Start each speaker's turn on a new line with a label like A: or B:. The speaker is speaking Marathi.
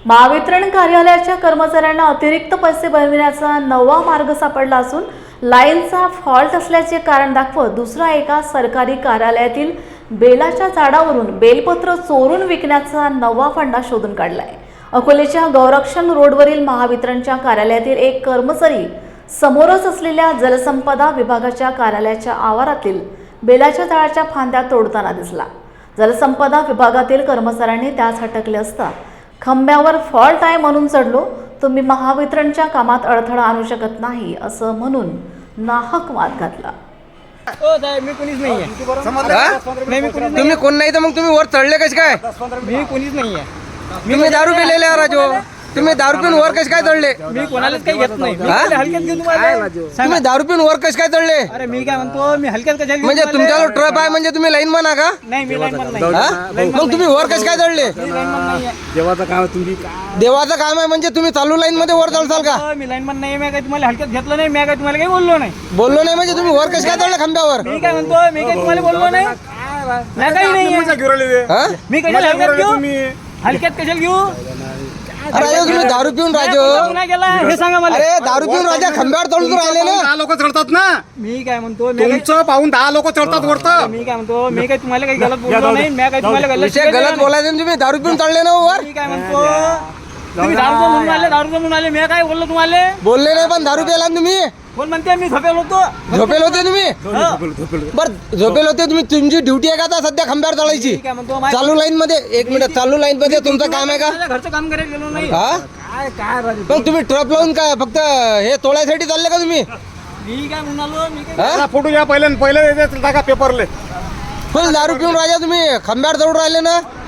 A: महावितरण कार्यालयाच्या कर्मचाऱ्यांना अतिरिक्त पैसे बनविण्याचा नवा मार्ग सापडला असून लाईनचा फॉल्ट असल्याचे कारण दाखवत दुसऱ्या एका सरकारी कार्यालयातील बेलाच्या झाडावरून बेलपत्र चोरून विकण्याचा नवा फंडा शोधून काढलाय। अकोलेच्या गौरक्षण रोडवरील महावितरणच्या कार्यालयातील एक कर्मचारी समोरच असलेल्या जलसंपदा विभागाच्या कार्यालयाच्या आवारातील बेलाच्या झाडाच्या फांद्या तोडताना दिसला। जलसंपदा विभागातील कर्मचाऱ्यांनी त्यास हटकले असता खंब्यावर फॉल्ट आहे म्हणून चढलो, तुम्ही महावितरणच्या कामात अडथळा आणू शकत नाही असं म्हणून नाहक वाद घातला।
B: मी कोणीच नाहीये।
C: तुम्ही कोण नाही तर मग तुम्ही वर चढले कसे काय?
B: मी कोणीच नाहीये।
C: तुम्ही दारू पिलेले आहे राजो, तुम्ही दारू पिऊन वर कसे काय चढले?
B: मी कोणालाच काही घेत नाही। हलक्यात घेऊन तुम्हाला
C: तुम्ही दारू पिऊन वर कसे काय चढले?
B: अरे मी काय म्हणतो, मी हलक्यात कशाला घेऊन
C: म्हणजे तुमच्याजवळ ट्रप आहे म्हणजे तुम्ही लाईन म्हणा का?
B: नाही, मी लाईनमन नाही।
C: मग तुम्ही वर कसे काय चढले?
B: मी लाईनमन नाहीये।
D: देवाचं काम तुम्ही
C: देवाचं काम आहे म्हणजे तुम्ही चालू लाईन मध्ये वर चढसाल का?
B: मी लाईनमन नाही। मी काय तुम्हाला हलक्यात घेतलं नाही, मी काय तुम्हाला काही बोललो नाही।
C: बोललो नाही म्हणजे तुम्ही वर कसे काय चढले खांब्यावर?
B: मी काय म्हणतो, मी काय तुम्हाला बोललो नाही। नाही काही नाही।
C: हा?
B: मी कशाला हलक्यात घेऊ? हलक्यात कशाला घेऊ?
C: राजो तुम्ही दारू पिऊन राजो,
B: गुन्हा केला हे सांगा मला।
C: अरे दारू पिऊन राजा खंब्यावर चढून राहिले ना?
D: 10 लोक चढतात ना,
B: मी काय म्हणतो, मी काय
D: तुमचं पाहून 10 लोक चढतात वरतं।
B: मी काय म्हणतो, मी काय तुम्हाला काही गलत बोललो नाही। मी काय तुम्हाला गलत
C: विषय गलत बोलायचं, तुम्ही दारू पिऊन चढले ना वर?
B: मी काय म्हणतो, तुम्ही दारू म्हणून आले, दारू म्हणून आले। मी काय बोललो तुम्हाला?
C: बोलले नाही पण दारू प्याला ना तुम्ही?
B: कोण म्हणते मी झोपेल होतो?
C: झोपेल होते तुम्ही? बर झोपेल होते तुम्ही, तुमची ड्युटी आहे का आता सध्या खंब्यावर चढायची?
B: मी काय म्हणतो, माझ्या
C: चालू लाईन मध्ये एक मिनिट, चालू लाईन मध्ये तुमचं काम आहे का?
B: घरचं काम करायला गेलो नाही।
C: हा
D: काय
C: मग तुम्ही ट्रप लावून काय फक्त हे तोडायसाठी चालले का तुम्ही?
B: मी काय म्हणालो, मी काय
C: हा?
D: फोटो घ्या पहिले टाका पेपरले।
C: फुल दारू पिऊन राजा तुम्ही खंब्यावर चढून राहिले ना?